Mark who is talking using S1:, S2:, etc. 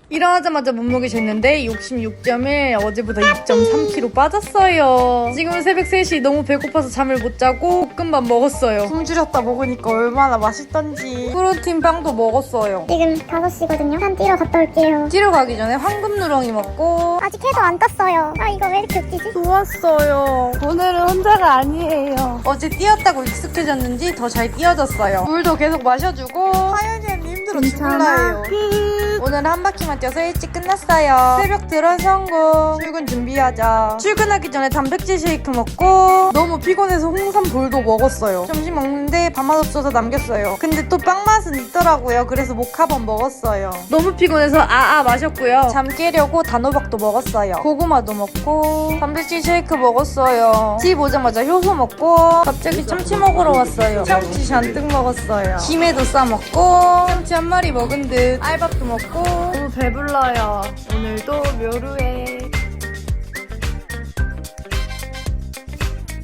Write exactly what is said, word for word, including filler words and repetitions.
S1: 일어나자마자 몸무게 쟀는데 육십육 점 일, 어제보다 이 점 삼 킬로그램 빠졌어요. 지금은 새벽 세 시 너무 배고파서 잠을 못 자고 볶음밥 먹었어요. 숨죽였다 먹으니까 얼마나 맛있던지. 프로틴 빵도 먹었어요.
S2: 지금 다섯 시거든요. 한 뛰러 갔다 올게요.
S1: 뛰러 가기 전에 황금 누렁이 먹고.
S2: 아직 해도 안 떴어요. 아 이거 왜 이렇게 웃기지?
S1: 좋았어요. 오늘은 혼자가 아니에요. 어제 뛰었다고 익숙해졌는지 더 잘 뛰어졌어요. 물도 계속 마셔주고. 하연이 언니 힘들어 죽을라예요. 오늘 한 바퀴만 뛰어서 일찍 끝났어요. 새벽 드론 성공. 출근 준비하자. 출근하기 전에 단백질 쉐이크 먹고 너무 피곤해서 홍삼 볼도 먹었어요. 점심 먹는데 밥맛 없어서 남겼어요. 근데 또 빵 맛은 있더라고요. 그래서 모카번 먹었어요. 너무 피곤해서 아아 마셨고요. 잠 깨려고 단호박도 먹었어요. 고구마도 먹고 단백질 쉐이크 먹었어요. 집 오자마자 효소 먹고 갑자기 참치 먹으러 왔어요. 참치 잔뜩 먹었어요. 김에도 싸먹고 참치 한 마리 먹은 듯 알밥도 먹고 너무 배불러요. 오늘도 묘루에